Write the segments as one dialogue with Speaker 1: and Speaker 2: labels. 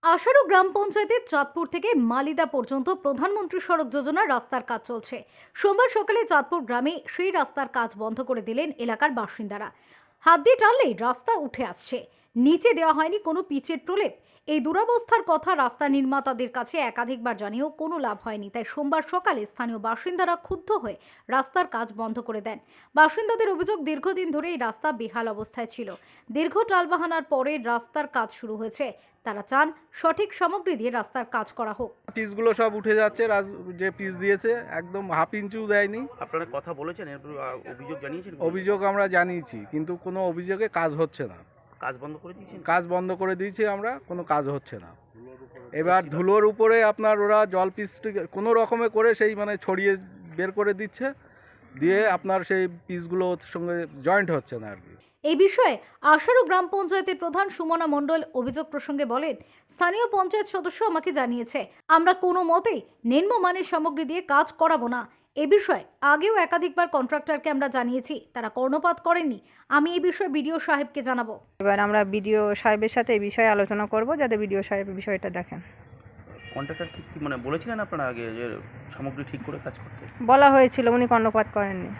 Speaker 1: আশারু গ্রাম পঞ্চায়েতের চাঁদপুর থেকে মালিদা পর্যন্ত প্রধানমন্ত্রী সড়ক যোজনার রাস্তার কাজ চলছে। সোমবার সকালে চাঁদপুর গ্রামে সেই রাস্তার কাজ বন্ধ করে দিলেন এলাকার বাসিন্দারা। হাত দিয়ে টানলেই রাস্তা উঠে আসছে, নিচে দেওয়া হয়নি কোনো পিচের প্রলেপ। এই দুরবস্থার কথা রাস্তা নির্মাতাদের কাছে একাধিকবার জানিয়েও কোনো লাভ হয়নি। তাই সোমবার সকালে স্থানীয় বাসিন্দারা ক্ষুব্ধ হয়ে রাস্তার কাজ বন্ধ করে দেন। বাসিন্দাদের অভিযোগ, দীর্ঘদিন ধরে এই রাস্তা বেহাল অবস্থায় ছিল। দীর্ঘ টালবাহানার পরে রাস্তার কাজ শুরু হয়েছে। তারা চান সঠিক সামগ্রী দিয়ে রাস্তার কাজ করা হোক।
Speaker 2: পিচগুলো সব উঠে যাচ্ছে, যে পিচ দিয়েছে একদম হাফ ইঞ্চিও দেয়নি।
Speaker 3: আপনারা কথা বলেছেন, এরপর অভিযোগ জানিয়েছেন?
Speaker 2: অভিযোগ আমরা জানিয়েছি, কিন্তু কোনো অভিযোগে কাজ হচ্ছে না।
Speaker 3: কাজ বন্ধ করে দিয়েছেন?
Speaker 2: কাজ বন্ধ করে দিয়েছি আমরা, কোনো কাজ হচ্ছে না। এবার ধুলোর উপরে আপনার ওরা জল পিচ কোনো রকমে করে সেই ছড়িয়ে বের করে দিচ্ছে, দিয়ে আপনার সেই পিচগুলোর সঙ্গে জয়েন্ট হচ্ছে না আর কি।
Speaker 1: এই বিষয়ে আশারু গ্রাম পঞ্চায়েতের প্রধান সুমনা মণ্ডল অভিযোগ প্রসঙ্গে বলেন, স্থানীয় পঞ্চায়েত সদস্য আমাকে জানিয়েছে আমরা কোনো মতেই নিম্নমানের সামগ্রী দিয়ে কাজ করাবো না। এ বিষয়ে আগেও একাধিকবার কন্ট্রাক্টরকে আমরা জানিয়েছি, তারা কর্ণপাত করেননি। আমি এই বিষয়ে বিডিও সাহেবকে জানাবো।
Speaker 4: এবার আমরা বিডিও সাহেবের সাথে এই বিষয়ে আলোচনা করব, যাতে বিডিও সাহেব বিষয়টা দেখেন।
Speaker 3: কন্ট্রাক্টর কি বলেছিলেন আপনারা আগে যে সামগ্রী ঠিক করে কাজ করতে?
Speaker 4: বলা হয়েছিল, উনি কর্ণপাত করেননি।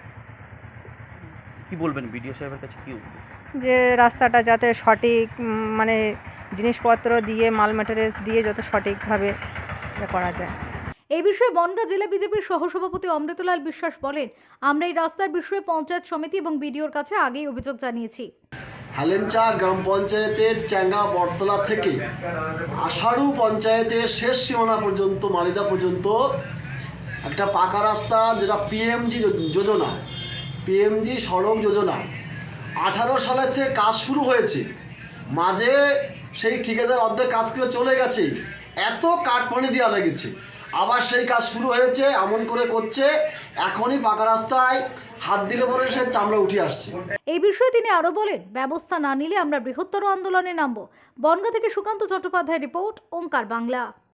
Speaker 3: কি বলবেন বিডিও সাহেবের কাছে? কি
Speaker 4: যে রাস্তাটা যাতে সঠিক জিনিসপত্র দিয়ে মাল ম্যাটেরিয়ালস দিয়ে যত সঠিকভাবে করা যায়।
Speaker 1: এই বিষয়ে বনগাঁ জেলা বিজেপির সহসভাপতি অমৃতলাল বিশ্বাস বলেন, আমরা এই রাস্তার বিষয়ে পঞ্চায়েত সমিতি এবং বিডিওর কাছে আগেই অভিযোগ জানিয়েছি।
Speaker 5: হালেঞ্চা গ্রাম পঞ্চায়েতের চ্যাঙ্গা বটতলা থেকে আশারু পঞ্চায়েতের শেষ সীমানা পর্যন্ত মালিদা পর্যন্ত একটা পাকা রাস্তা, যেটা পিএমজি যোজনা, পিএমজি সড়ক যোজনা 18 সালে থেকে কাজ শুরু হয়েছে। মাঝে সেই ঠিকাদার অর্ধেক কাজ করে চলে গেছে, এত কাঠপানি দেওয়া লেগেছে, আবার সেই কাজ শুরু হয়েছে, এমন করে করছে এখনই পাকা রাস্তায় হাত দিলে পরে সে চামড়া উঠে আসছে।
Speaker 1: এই বিষয়ে তিনি আরো বলেন, ব্যবস্থা না নিলে আমরা বৃহত্তর আন্দোলনে নামব। বনগাঁ থেকে সুকান্ত চট্টোপাধ্যায় রিপোর্ট, ওঙ্কার বাংলা।